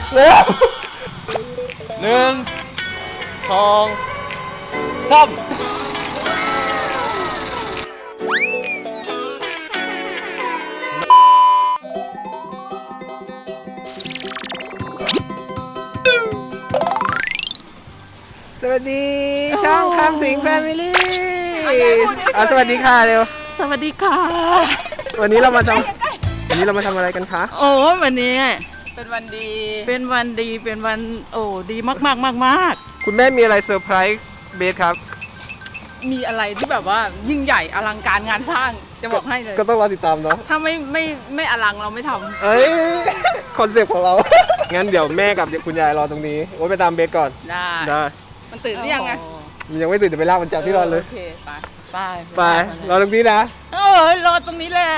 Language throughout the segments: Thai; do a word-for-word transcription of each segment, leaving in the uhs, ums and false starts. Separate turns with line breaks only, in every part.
เร็วหนึ่งสองสามสวัสดีช่องคำสิงแฟมิลี่อ่ะสวัสดีค่ะเร็ว
สวัสดีค่ะ
วันนี้เรามาทำวันนี้เรามาทำอะไรกันคะ
โอ้วันนี้
เป็นวันดี
เป็นวันดีเป็นวันโอ้ดีมากมากมากมาก
คุณแม่มีอะไรเซอร์ไพรส์เบสครับ
มีอะไรที่แบบว่ายิ่งใหญ่อลังการงานสร้างจะบอกให้เลย
ก็ต้องรอติดตามเนาะ
ถ้าไม่ไม่ไม่อลังเราไม่ทำ
เอ้ยคอนเซ็ปต์ของเรางั้นเดี๋ยวแม่กับคุณยายรอตรงนี้โอ้ไปตามเบสก่อน
ได้
ได้
มันตื่นหรือยังไง
มันยังไม่ตื่นจะไปลากมันจากที่รอเลย
โอเคไป
ไป
ไปรอตรงนี้นะ
เออรอตรงนี้แหละ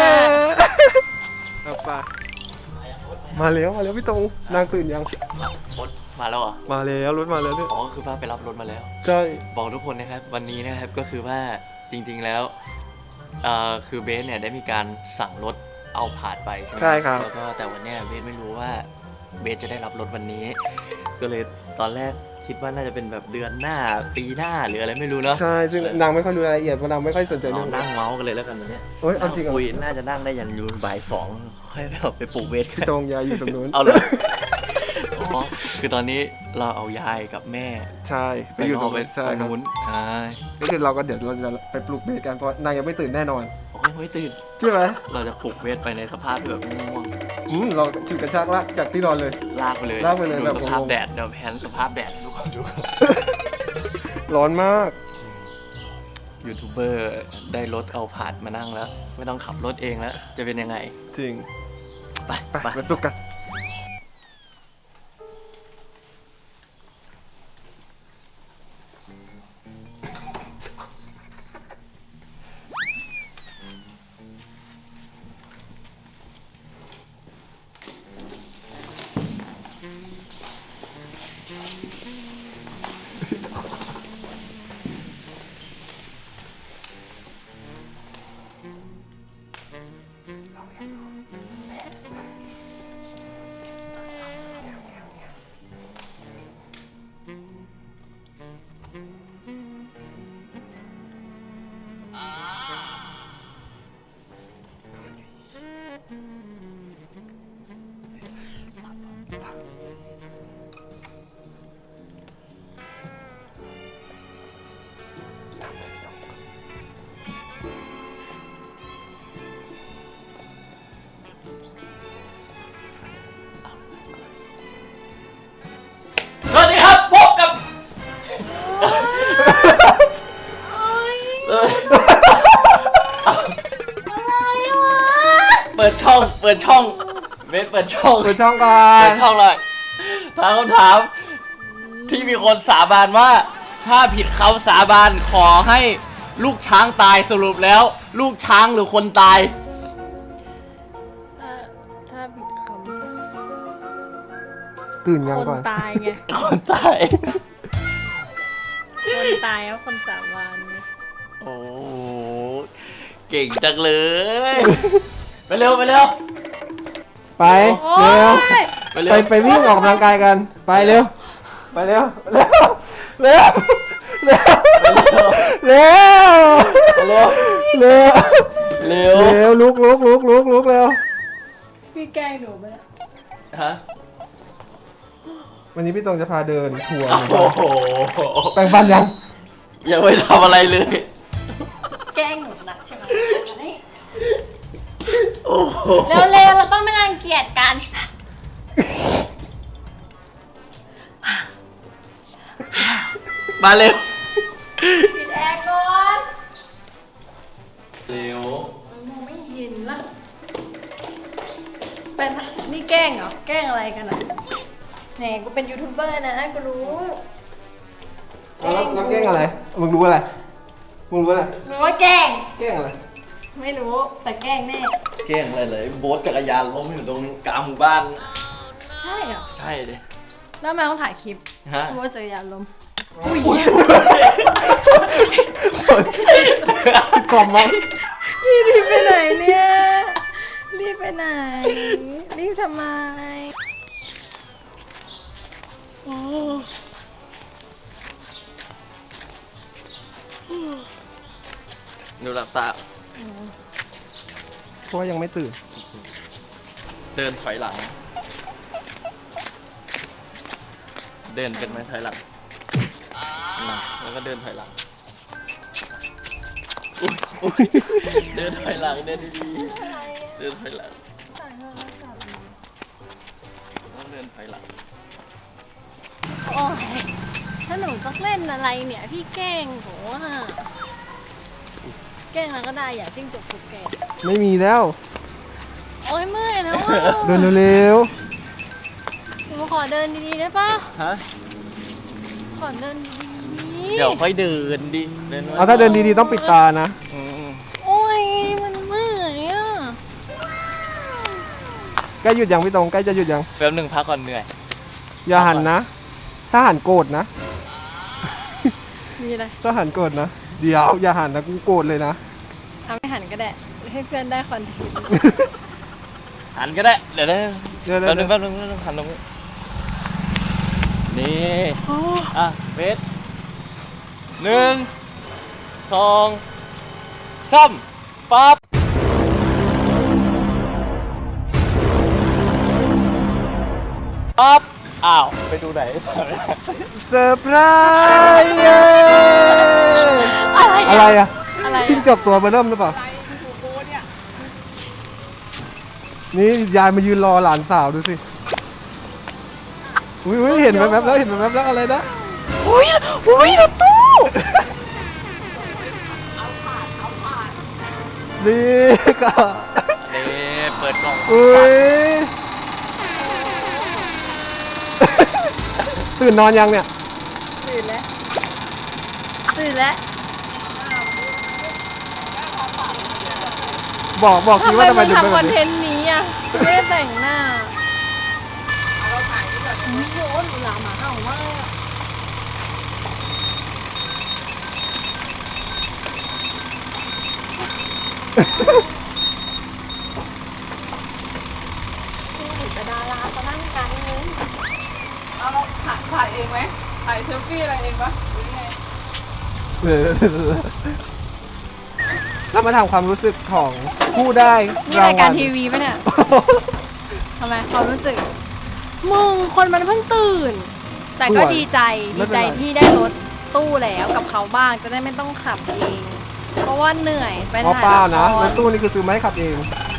เอาไปมาแล้วมาแล้วพี่ตรงนางตื่นยัง
รถมาแล้วเหรอ
มาแล้วรถมาแล้วเนี่ย
อ๋อคือว่าไปรับรถมาแล้ว
ใช่
บอกทุกคนนะครับวันนี้นะครับก็คือว่าจริงๆแล้วเอ่อคือเบสเนี่ยได้มีการสั่งรถเอาผ่านไปใช่ไหม
ใช่ครับ
แล้วก็แต่วันนี้เบสไม่รู้ว่าเบสจะได้รับรถวันนี้ก็เลยตอนแรกคิดว่าน่าจะเป็นแบบเดือนหน้าปีหน้าหรืออะไรไม่รู้เนาะ
ใช่ซึ่งนางไม่ค่อยรู้รายละเอียดเพราะนางไม่ค่อยสนใจเรื่อง
นั่งเมาส์กันเลยแล้วกันวันนี้
โอ้ยเอาจริงเหรอ
คุยน่าจะนั่งได้ยันยูนบ่ายสองค่อยแบบไปปลูกเบส
พี่ตรงยายอยู่ตรงนู้น
เอาเลยอ๋อคือตอนนี้เราเอายายกับแม่
ใช่ไปอยู่ตรง
นู้นใช่
ก็คือเราก็เดี๋ยวเราจะไปปลูกเบสกันเพราะนางยังไม่ตื่นแน่นอน
โอ้ยไม่ตื่น
ใช่ไหม
เราจะปลุกเวทไปในสภาพที่แบบง่วง
อืมเราฉุดกระชากลากจากที่นอนเลย
ลากไปเลย
ลากไปเลยแบบ
สภาพแดดเดี๋ยวแพนสภาพแดดทุกคนดู
ร้อนมาก
ยูทูบเบอร์ได้รถเอาผ่านมานั่งแล้วไม่ต้องขับรถเองแล้วจะเป็นยังไง
จริง
ไป
ไปไปปลุกกัน
สวัสดีครับพบกับเปิดช่องเปิดช่องเบสเปิดช่อง
เปิดช่องก่อ
นเปิดช่องเลยถามคำถามที่มีคนสาบานว่าถ้าผิดคำสาบานขอให้ลูกช้างตายสรุปแล้วลูกช้างหรือคนตาย
ถ้าถ้าผิดคำ
ตื่นยังก่อน
คนตายไง
คนตาย
คนตายแล้วคนสาบานไง
โอ้เก่งจังเลยไปเร็วไปเร็ว
ไปเร็วไปไปวิ่งออกกำลังกายกันไปเร็วไปเร็วเร็วเร็วเร็วเร็วเร็วเร็วเร็วเร็วลุกลุกลุกลุกลุกเร็ว
พี่แกล้งหนูไหม
ฮะ
วันนี้พี่ตรงจะพาเดินทัวร์
โอ้โห
แปรงฟันยัง
ยังไม่ทำอะไรเลย
แกล้งหนูนักใช่ไหม
โอ้โห
เร็วๆเราต้องไม่รังเกียจกัน
มาเร็ว
ปิดแอร์ก่อน
เร็ว
มองไม่เห็นละเป็นนี่แกล้งเหรอแกล้งอะไรกันอ่ะแหมกูเป็นยูทูบเบอร์นะกูรู้
แล้วแล้วแกล้งอะไรมึงรู้อะไรมึงรู้อะไร
รู้ว่าแกล้ง
แกล้งอะไร
ไม่รู้แต่แกล้งแน่
แกล้งอะไรเลยโบ๊ทจักรยานล้มอยู่ตรงกลางหมู่บ้าน
ใช่เหรอ
ใช่เลย
แล้วแม่ต้องถ่ายคลิปโบ๊ทจักรยานล้ม
อุ้ยกล่อมมั้ง
พี่รีบไปไหนเนี่ยรีบไปไหนรีบทำไม
หนูหลับตา
เพราะว่ายังไม่ตื่น
เดินถอยหลัง เดินเป็นไหมถอยหลังนะแล้วก็เดินถอยหลังอุ๊ยอุ๊ยเดินถอยหลังเดินดีๆเดินถอยหลังต้องเดินถอยหลัง
โอ้ยถ้าหนูต้องเล่นอะไรเนี่ยพี่แกล้งโหอ่ะแกล้งแล้วก็ได้อย่าจิ้งจกถูกแกล้ง
ไม่มีแล้ว
โอ้ยเมื่อยแล้วอ่ะ
เดินเร็ว
หนูขอเดินดีๆได้ปะ
ฮะ
ขอเดินดีๆ
เดี๋ยวค่อยเดินดิเดิน
ๆเอาถ้าเดินดีๆต้องปิดตานะ
อืม
โอ้ยมันเมื่อยอ่ะ
ใกล้หยุดยังพี่ตรงใกล้จะหยุดยัง
แป๊บหนึ่งพักก่อนเหนื่อย
อย่าหันนะ ถ้าหันโกรธนะ
มีอะไร
ถ้าหันโกรธนะ เดี๋ยวอย่าหันนะกูโกรธเลยนะ
ทำให้หันก็ได้ให้เพื่อนได้คอนเทนต์
หันก็ได้ เดี๋ยวได้
เดี๋ยว
แป๊บหนึง
ๆ
แป๊บหนึงแป๊บหนึงหันลงนี่อ่ะเวทหนึ่งสองสามปั๊บปั๊บอ้าว ไปดูไหน
เซอร์ไพรส์เย้
อะไร
อะไร
อะ
อะ
อะไร
จิ้งจกตัวเบอร์เริ่มหรือเปล่า นี่ยายมายืนรอหลานสาวดูสิ อุ้ยอุ้ยเห็นแวบๆแล้วเห็นแวบๆแล้วอะไรนะ
อุ้ยอุ้ยรถตู้
นี่ก็
นี่เปิดกล่อง
อุ้ย ตื่นนอนยังเนี่ย
ตื่นแล้วตื่นแล้ว
บอกบอกที
ทำไม
ว่าทำไม
มึง
ถึงเป็น
ทำค
แบ
อบ นเท
นี้
นต์นี้อ่ะไม่ได้แต่งหน้าเราถ่ายนี่ก่อนโอ้ยหนูหลาหมาเห่ามากอะแต่ดาราเขานั่งกันเลย
เอาเราถ่ายถ่ายเองไหมถ่ายเซลฟี่อะไรเองปะหรือไง
เออแล้วมาทำความรู้สึกของผู้ได้
นี่
ราง
ราย
วั
การ
ล
ทีวีปะเนี่ยทำไมความรู้สึก มึงคนมันเพิ่งตื่น แต่ก็ดีใจดีใจที่ได้รถตู้แล้วกับเขาบ้างจะได้ไม่ต้องขับเอง เพราะว่าเหนื่อยไป
อ๋อ
ถ่าย
เปล่านะ
ละค
ร
ร
ถตู้นี่คือซื้อมาให้ขับเอง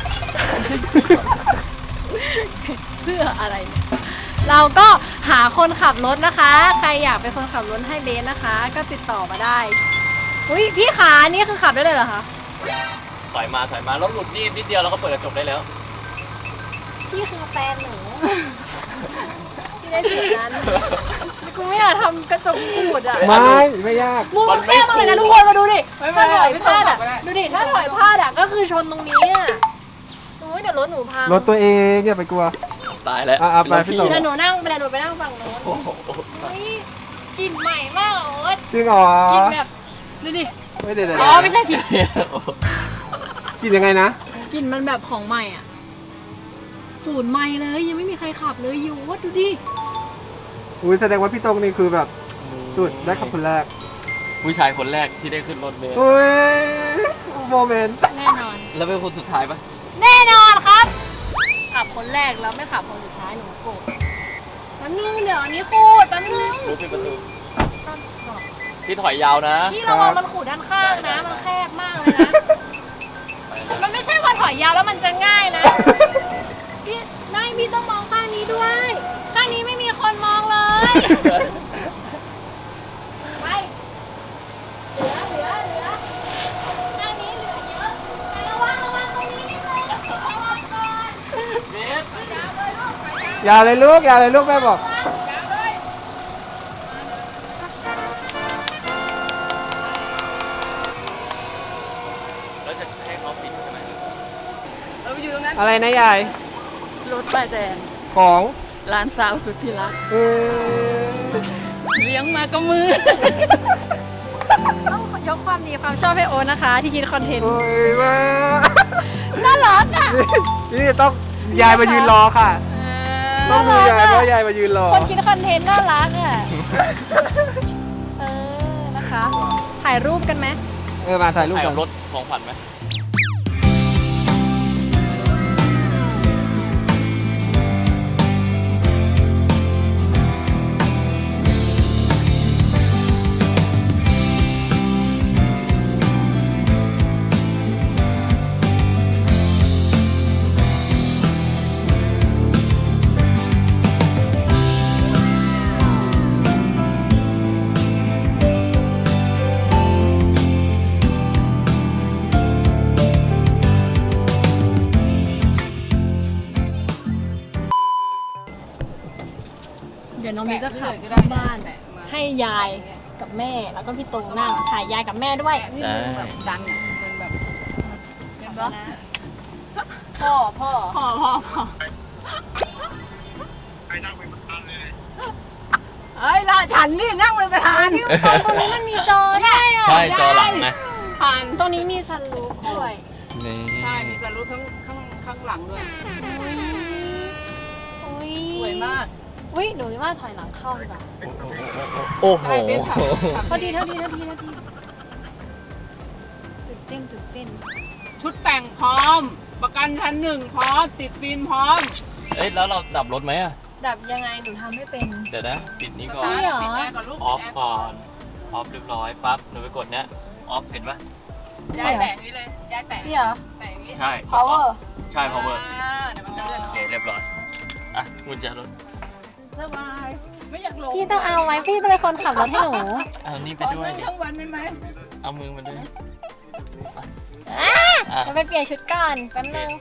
เพื่ออะไรเนี่ยเราก็หาคนขับรถนะคะ ใครอยากเป็นคนขับรถให้เบสนะคะ ก็ติดต่อมาได้อุ้ยพี่ขานี่คือขับได้เลยเหรอคะ
ถอยมาถอยมาแล้วหลุดนี่นิดเดียวเราก็เปิดกระจกได้แล้ว
พี่คือแฟนหนูที่ได้สิทธิ์นั้นกูไม่อยากทำกระจกขูดอ่ะ
ไม่ไม่ยาก
มุมมันแคบมากเลยนะทุกคนมาดูดิถ้าถอยพลาดอ่ะดูดิถ้าถอยพลาดอ่ะก็คือชนตรงนี้อ่ะโอ้ยเดี๋ยวรถหนูพัง
รถตัวเองอย่าไปกลัว
ตายแล้ว
อ่ะอ่ะไปพี่ต่อ
เดี๋ยวหนูนั่งไปเดี๋ยวหนูไปนั่งฝั่งโน้น
โอ้โห
เฮ้ยกลิ่นใหม่มากโอ๊ต
จริงเหรอก
ลิ่นแบบดูดิ
ไม่ได้เลย
อ๋อไม่ใช่ผิด
กินยังไงนะ
กลิ่นมันแบบของใหม่อ่ะศูนย์ใหม่เลยยังไม่มีใครขับเลยยูวดดูดิ
อุ้ยแสดงว่าพี่ตรงนี่คือแบบสุดได้ขับคนแรก
ผู้ชายคนแรกที่ได้ขึ้นรถเมล์
อุ้ยโมเมนต์
แน่นอน
แล้วเป็นคนสุดท้ายปะ
แน่นอนครับ ขับคนแรกแล้วไม่ขับคนสุดท้ายหนูโกรธแป๊บนึงเดี๋ยวอันนี้ขูดแป๊บนึง
รู้ปิดประตูพี่ถอยยาวนะ
พี่ระวังมันขูดด้านข้างนะ มันแคบมากเลยนะ มันไม่ใช่ว่าถอยยาวแล้วมันจะง่ายนะ พี่ไม่พี่ต้องมองข้างนี้ด้วย ข้างนี้ไม่มีคนมองเลย ไป เหลือเหลือเหลือข้างนี้เหลือเยอะไประวังระวังตรงนี้นิดนึงระวังก่อน
เบส
อย่าเลยลูกอย่าเลยลูกแม่บอก
แล้วจะให้เขาปิดใช่ไหม
เราไปอยู่ตรงนั้น
อะไรนะยาย
รถป้ายแดง
ของ
ร้านสาวสุดที่รัก
เออ
เลี้ยงมาก็มือ
ต้องยกความดีความชอบให้โอ๊ตนะคะ ที่คิดคอนเทนต์
โอ้ยว่า
น่ารักอ่ะ
นี่ต้องยายมายืนรอค่ะ
เออ
ต้องดูยายเพราะยายมายืนรอ
คนคิดคอนเทนต์น่ารักอ่ะ เออ นะคะ ถ่ายรูปกันไหม
เออมาถ่ายรูป
ถ่าย
กั
กับ
น
รถของขวัญไหม
เดี๋ยวน้องมีจะขับเข้าบ้าน ให้ยายกับแม่แล้วก็พี่ตรงนั่งถ่ายยายกับแม่ด้วย
นี่มึงแบบดันอะมึงแบบเห็นปะ
พ่อพ่อ
พ่อพ่อพ่อเอ้ยละฉันนี่นั่งเป็นประธาน
ตอนตรงนี้มันมีจอได้อะ
ใช่จอหลังนะ
ผ่าน
ตรงนี้มีซันรูฟด้วย
นี่
ใช่มีสรุปข้างข้างข้างหลังด้วย
อุ้ยอุ้ย
สวยมาก
อุ้ยหนูว่าถอยหลังเข้าดีกว่า
โอ้โห
ใช่เป็นขับขับ
พอดีเท่าทีเท่าทีเท่าทีตื่นเต้นตื่นเต้น
ชุดแต่งพร้อม ประกันชั้นหนึ่งพร้อม ติดฟิล์มพร้อม
เอ้ยแล้วเราดับรถไหมอะ
ดับยังไงหนูทำไม่เป็น
เดี๋ยวนะ ปิดนี้ก่อน
นี่เหรอ
ปิดแอร์ก่อนลูก
ออฟก่อน ออฟเรียบร้อยปั๊บหนูไปกดเนี้ย ออฟเห็นปะ
ย้ายแตะนี้เลยย้ายแตะ
นี่เหรอ
แตะอย่างนี้
ใช่
power
ใช่ power
อ่าเดี๋ยวมันจะเลื่อน
โอเคเรียบร้อย อ่ะกุญแจรถ
สบาย ไม่อยากลง
พี่ต้องเอาไว้พี่เป็นคนขับรถให้หนู
เอานี่ไป
ขอ
ด้วย
นั่ง
ดิ
ทั้งวันได้ไหม
เอามือมาด้วย
อ่ะ
อ่ะ
จะไปเปลี่ยนชุดก่อนแป๊บนึง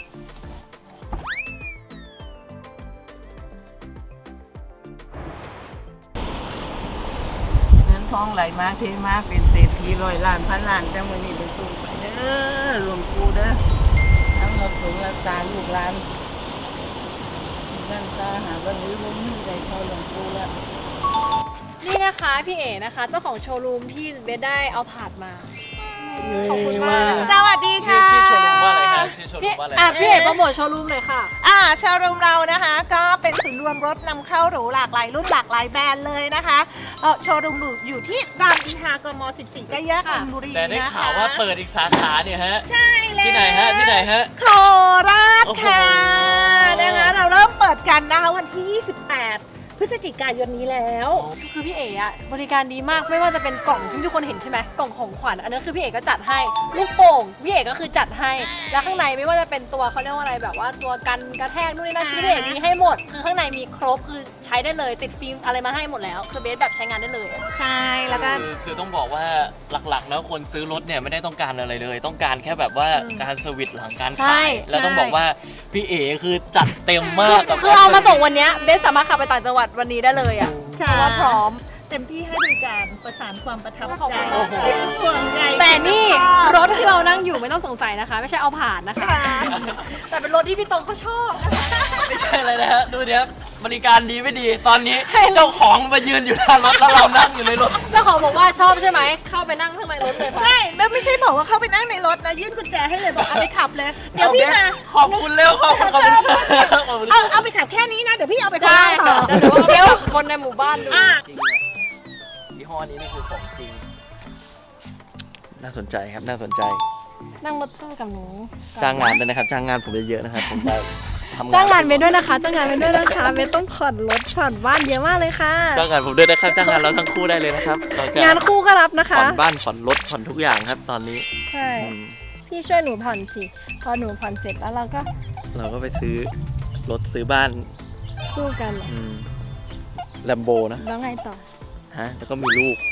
เงินทองไหลมาเทมาเป็นเศรษฐีร้อยล้านพันล้านแต่มื้อนี้เป็นตู้ไปเด้อหลวงปู่เด้อทั้งรักษารักษาลูกหลานบ้านซาหาบ้านนี้บ่มีใดเท่าหลวงปู่แล้ว
นี่นะคะพี่เอ๋นะคะ เจ้าของโชว์รูมที่เบสได้เอาผาดมา ขอบคุณมาก
สวัสดี
ชื่อ
ค่ะ
ชื่อโชว์รูมว่าอะไรฮะชื่อโชว์รู
พี่
มว่าอะไร
อ่ะพี่เอ๋โปรโมทโชว์รูมหน่อยค่ะ
อ่าโชว์รูมเรานะคะ ก็เป็นศูนย์รวมรถนำเข้าหรูหลากหลายรุ่นหลากหลายแบรนด์เลยนะคะเออโชว์รูมอยู่ที่รามอินทรากม สิบสี่ใกล้แยก
ค่ะ
มินบุรี
แต่ได้
นะคะ
ข่าวว่าเปิดอีกสาขาเนี่ยฮะ
ใช่แล้ว
ที่ไหนฮะ ที่ไหนฮะ
โคราช
โอ้โห
ค่ะนะคะเราเริ่มเปิดกันนะคะวันที่ ยี่สิบแปด พฤศจิกายนนี้แล้ว
คือพี่เอ๋อะบริการดีมากไม่ว่าจะเป็นกล่องที่ทุกคนเห็นใช่ไหมกล่องของขวัญอันนั้นคือพี่เอ๋ก็จัดให้ลูกโป่งพี่เอ๋ก็คือจัดให้แล้วข้างในไม่ว่าจะเป็นตัวเขาเรียกว่าอะไรแบบว่าตัวกันกระแทกนู่นนี่นั่นคือพี่เอ๋มีให้หมด คือข้างในมีครบคือใช้ได้เลยติดฟิล์มอะไรมาให้หมดแล้ว คือเบสแบบใช้งานได้เลย
ใช่แล้วก็
คือคือต้องบอกว่าหลักๆแล้วคนซื้อรถเนี่ยไม่ได้ต้องการอะไรเลย ต้องการแค่แบบว่า
อืม
การเซอร์วิสหลังการ
ใช่
ขายแล้วต้องบอกว่าพี่เอ๋คือจัดเต็มมากกับ
คือเอามาส่งวันเนี้ยเบสสามารถขับไปต่างจังหวัดวันนี้ได้เลยอ่ะเพ
ค่ะ
ราะว่าพร้อม
เต็มที่ให้บริการประสานความประทับ
ขอบ
ใจ
คุณค่ะ
ห่วงใย
แต่นี่รถที่เรานั่งอยู่ไม่ต้องสงสัยนะคะ ไม่ใช่เอาผ่านนะคะ
ค่ะ
แต่เป็นรถที่พี่ตรงเขาชอบนะคะ
ไม่ใช่เลยนะฮะดูเดี๋ยวบริการดีไม่ดี ตอนนี้เจ้าของมายืนอยู่หน้ารถแล้วเรานั่งอยู่ในรถ
เจ้าของบอกว่าชอบใช่ไหม เข้าไปนั่งข้างในรถเลยค่ะ
ใช่แล้วไม่ใช่บอกว่าเข้าไปนั่งในรถนะยื่นกุญแจให้เลยบอกเอาไปขับเลย เดี๋ยวพี่มา
ขอบคุณเร็วขอบคุณขอบคุณครับขอบคุณค
เอา
รับ
เอาไปขับแค่นี้นะ เดี๋ยวพี่เอาไปขับ
ได้
ต่
ค่ะ
อ
เดี๋ยวหนูเอาไปบอกคนในหมู่บ้านดู
อ่ะ
จริงเนี่ยยี่ห้อนี้นี่คือของจริง น่าสนใจครับน่าสนใจ
นั่งรถตู้กับหนู
จ้างงานด้วยนะครับ จ้างงานผมเยอะๆนะครับ ผมจะทำงาน
จ้างงานเบสด้วยนะคะ จ้างงานเบสด้วยนะคะเบสต้องผ่อนรถผ่อนบ้านเยอะมากเลยค่ะ
จ้างงานผมด้วยนะครับ จ้างงานเราทั้งคู่ได้เลยนะครับเราจะ
งานคู่ก็รับนะคะ
ผ่อนบ้านผ่อนรถผ่อนทุกอย่างครับ ตอนนี้
ใช่
อืม
พี่ช่วยหนูผ่อนสิ พอหนูผ่อนเสร็จแล้วเราก็
เราก็ไปซื้อรถซื้อบ้าน
คู่กัน
แลมโบนะ
แล้วไงต่อ
ฮะ แล้วก็มีลูก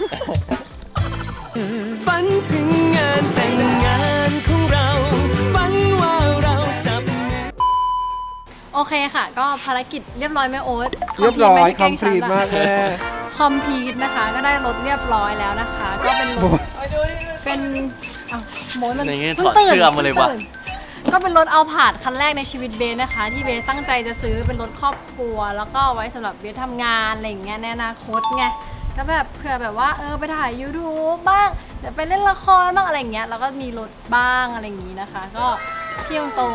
ฝันถึงงานแต่งงานของเรา ฝันว่าเราจะ
โอเคค่ะ ก็ภารกิจเรียบร้อยไหมโอ๊ต
เรียบร้อยคอม
ที่
พลีทมากแม่
คอมพลีทนะคะ ก็ได้รถเรียบร้อยแล้วนะคะ ก็เป็นรถ
ไปดูดิ
เป็นอ้าวโมยมัน
อย่างงี้
เพิ่ง
ถอด
ตื่น
เสื้อมาเลยว่ะ
พิ่งตื่นก็เป็นรถเอาผาดคันแรกในชีวิตเบสนะคะ ที่เบสตั้งใจจะซื้อเป็นรถครอบครัว แล้วก็เอาไว้สำหรับเบสทำงานอะไรอย่างเงี้ยในอนาคตไงก็แบบเผื่อแบบว่าเออไปถ่าย YouTube บ้างเดี๋ยวไปเล่นละครบ้างอะไรอย่างเงี้ยแล้วก็มีรถบ้างอะไรอย่างงี้นะคะ ก็พี่ตรงๆ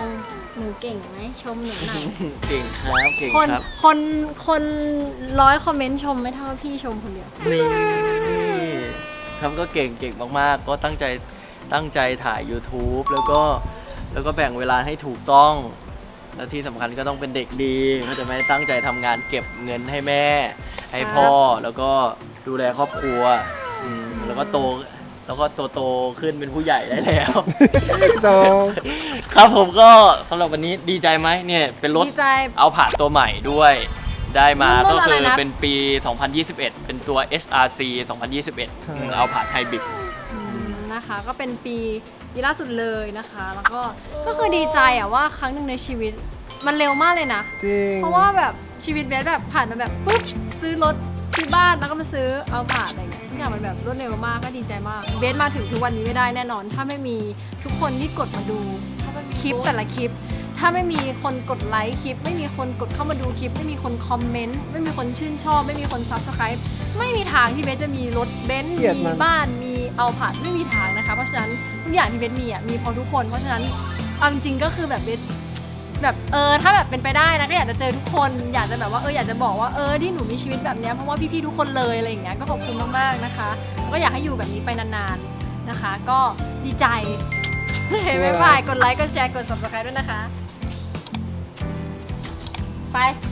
หนูเก่งไหมชมหนูหน่อย
เก่งครับเก่ง
คน
ครับ
คนคนร้อยคอมเมนต์ชมไม่เท่าพี่ชมคนเดียว
นี่ครับก็เก่งเก่งมากๆ ก็ตั้งใจตั้งใจถ่าย YouTube แล้วก็แล้วก็แบ่งเวลาให้ถูกต้อง แล้วที่สำคัญก็ต้องเป็นเด็กดีก็จะไม่ตั้งใจทำงานเก็บเงินให้แม่ ให้พ่อแล้วก็ดูแลครอบครัวอืมแล้วก็โตแล้วก็โตโตๆขึ้นเป็นผู้ใหญ่ได้แล้ว
โต
ครับผมก็สำหรับวันนี้ดีใจไหมเนี่ยเป็นรถ
ดีใจ
เอาผ่านตัวใหม่ด้วยได้มา
รุ่
ก็
นอะไร
คือ
นะ
เป็นปี สองพันยี่สิบเอ็ด เป็นตัว เอส อาร์ ซี สองพันยี่สิบเอ็ด อืมเอาผ่านไฮบริด
อืมนะคะก็เป็นปีปีล่าสุดเลยนะคะ แล้วก็ก็คือดีใจอะว่าครั้งหนึ่งในชีวิตมันเร็วมากเลยนะ
จริง
เพราะว่าแบบชีวิตเบสแบบผ่านมาแบบปุ๊บซื้อรถซื้อบ้านแล้วก็มาซื้อเอาผ่านอะไรอย่างเงี้ยทุกอย่างมันแบบรวดเร็วมากก็ดีใจมากเบสมาถึงทุกวันนี้ไม่ได้แน่นอน ถ้าไม่มีทุกคนที่กดมาดูคลิปแต่ละคลิป ถ้าไม่มีคนกดไลค์คลิป ไม่มีคนกดเข้ามาดูคลิป ไม่มีคนคอมเมนต์ไม่มีคนชื่นชอบ ไม่มีคนซับสไครป์ไม่มีทางที่เบสจะมีรถเบนซ์
เกลียด
มี
มัน
บ้านมีเอาผ่านไม่มีทางนะคะเพราะฉะนั้นทุกอย่างที่เบสมีอ่ะมีเพราะทุกคนเพราะฉะนั้นเอาจริงๆก็คือแบบเบส แบบเออถ้าแบบเป็นไปได้นะก็อยากจะเจอทุกคนอยากจะแบบว่าเอออยากจะบอกว่าเออที่หนูมีชีวิตแบบเนี้ยเพราะว่าพี่ๆทุกคนเลยอะไรอย่างเงี้ยก็ขอบคุณมากๆนะคะก็อยากให้อยู่แบบนี้ไปนานๆนะคะ ก็ดีใจโอเคบ๊ายบายกดไลค์กดแชร์กด ซับสไครบ์ ด้วยนะคะไป